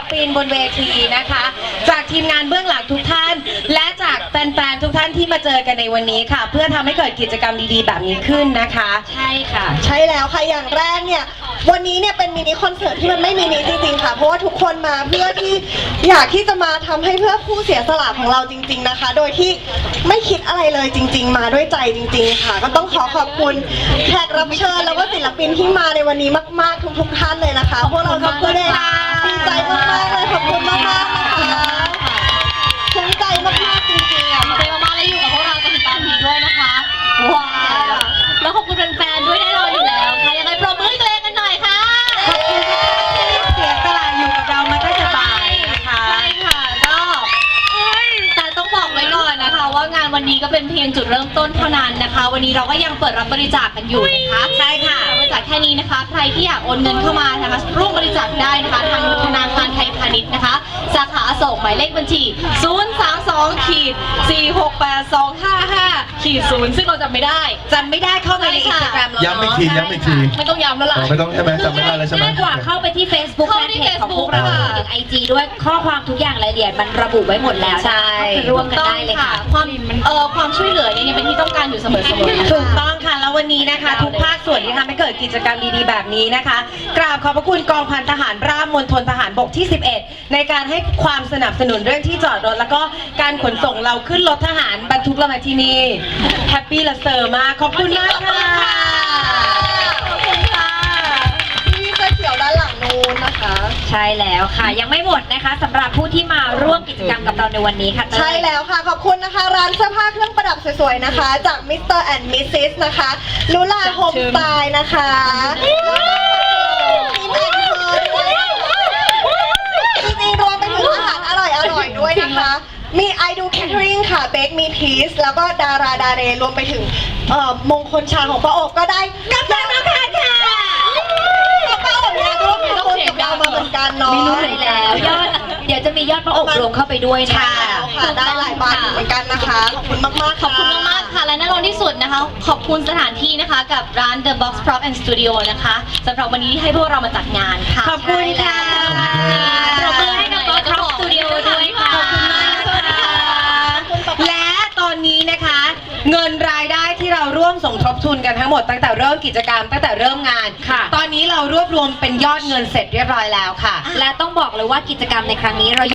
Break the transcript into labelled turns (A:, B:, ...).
A: ปินบนเวทีนะคะจากทีมงานเบื้องหลังทุกท่านและจากแฟนๆทุกท่านที่มาเจอกันในวันนี้ค่ะเพื่อทำให้เกิดกิจกรรมดีๆแบบนี้ขึ้นนะคะใช่ค่ะ
B: ใช่แล้วค่ะอย่างแรกเนี่ยวันนี้เนี่ยเป็นมินิคอนเสิร์ตที่มันไม่มินิจริงๆค่ะเพราะว่าทุกคนมาเพื่อที่อยากที่จะมาทำให้เพื่อผู้เสียสละของเราจริงๆนะคะโดยที่ไม่คิดอะไรเลยจริงๆมาด้วยใจจริงๆค่ะก็ต้องขอบคุณแขกรับเชิญแล้วก็ศิลปินที่มาในวันนี้มากๆทุกๆท่านเลยนะคะพวกเราขอบคุณเลยดีใจมากๆเลยขอบคุณมากๆนะคะภูมิใจมากๆจริงๆอ่ะ
C: ใจมากๆเลยอยู่กับพวกเราจนถึงตอนนี้ด้วยนะคะว้าวแล้วขอบคุณแฟนๆด้วยแน่นอนอยู่แล้วค่ะยังไงปรบมือให้ตัวเองกันหน่อยค่ะ
A: ขอบคุณที่เสียสละอยู่กับเรามาตั้งแต่บ่ายนะคะ
C: ใช่ค่ะก็แต่ต้องบอกไว้ก่อนนะคะว่างานวันนี้ก็เป็นเพียงจุดเริ่มต้นเท่านั้นนะคะวันนี้เราก็ยังเปิดรับบริจาคกันอยู่นะคะใช่ค่ะบริจาคแค่นี้นะคะใครที่อยากโอนเงินเข้ามานะคะร่วมบริจาคได้นะคะทางธนาคารไทยพาณิชย์นะคะสาขาอโศกหมายเลขบัญชี032-468-255-0ซึ่งเราจำไม่ได้
A: เข้าไปใน Instagram เรา
D: ย้ำอีกที
C: ไม่ต้องย้ำแล้วล่ะ
D: ไม่ต้องใช่ไหมจำไม่ได้แล้วใช่ไหม
A: ง่ายกว่าเข้าไปที่ Facebook
C: เข้า
A: แฟน
C: ที่
A: เพจของพวกเรา
C: Facebook
A: ถึง IG ด้วยข้อความทุกอย่างรายละเอียดมันระบุไว้หมดแล้วใช่ร่วมกันได้เลยค่ะ
C: ความช่วยเหลือเนี่ยยังเป็นที่ต้องการอยู่เสมอๆ
A: ถูกต้องค่ะแล้ววันนี้นะคะ ทุกภาคส่วนที่ทำให้เกิดกิจกรรมดีๆแบบนี้นะคะกราบขอบพระคุณกองพันทหารราบมณฑลทหารบกที่ 11ในการให้ความสนับสนุนเรื่องที่จอดรถแล้วก็การขนส่งเราขึ้นรถทหารบรรทุกเรามาที่นี่แฮปปี้และเซอร์มากขอบคุณมากค่ะ
B: ขอบคุณค่ะพี่เสื้อเขียวด้านหลังนู้นนะคะ
A: ใช่แล้วค่ะยังไม่หมดนะคะสำหรับผู้ที่มาร่วมกิจกรรมกับเราในวันนี้ค่ะ
B: ใช่แล้วค่ะขอบคุณนะคะร้านเสื้อผ้าเครื่องประดับสวยๆนะคะจาก Mr. and Mrs. นะคะลูลาโฮมสไตล์นะคะจริงๆรวมไปถึงอาหารอร่อยๆด้วยนะคะมี I do catering ค่ะ Bake Me Peace แล้วก็ดาราดาเรรวมไปถึงมงคลชาของป้าโอบก็ได้กับแฟนค่ะป้าโอบเนี่ยร่วมทำบุญกับเรามาเหมือนกันเนาะ
A: ไม่รู้เลยแล้วยอดเดี๋ยวจะมียอดพระอบรวมเข้าไปด้วยนะ
B: ใช่แล้วค่ะได้หลายบาทเหมือนกันนะคะขอบคุณมากๆ
C: ขอบคุณมากๆค่ะและแน่นอนที่สุดนะคะขอบคุณสถานที่นะคะกับร้าน The Box Prop and Studio นะคะสำหรับวันนี้ที่ให้พวกเรามาจัดงานค่ะ
A: ขอบคุณค่ะปรบมือให้กับ Box Prop Studio ด้วยค่ะขอบคุณมากนะคะและตอนนี้นะคะเงินรายได้ที่เราร่วมสมทบทุนกันทั้งหมดตั้งแต่เริ่มกิจกรรมตั้งแต่เริ่มงานตอนนี้เรารวบรวมเป็นยอดเงินเสร็จเรียบร้อยแล้วค่ะและต้องบอกเลยว่ากิจกรรมในครั้งนี้เรา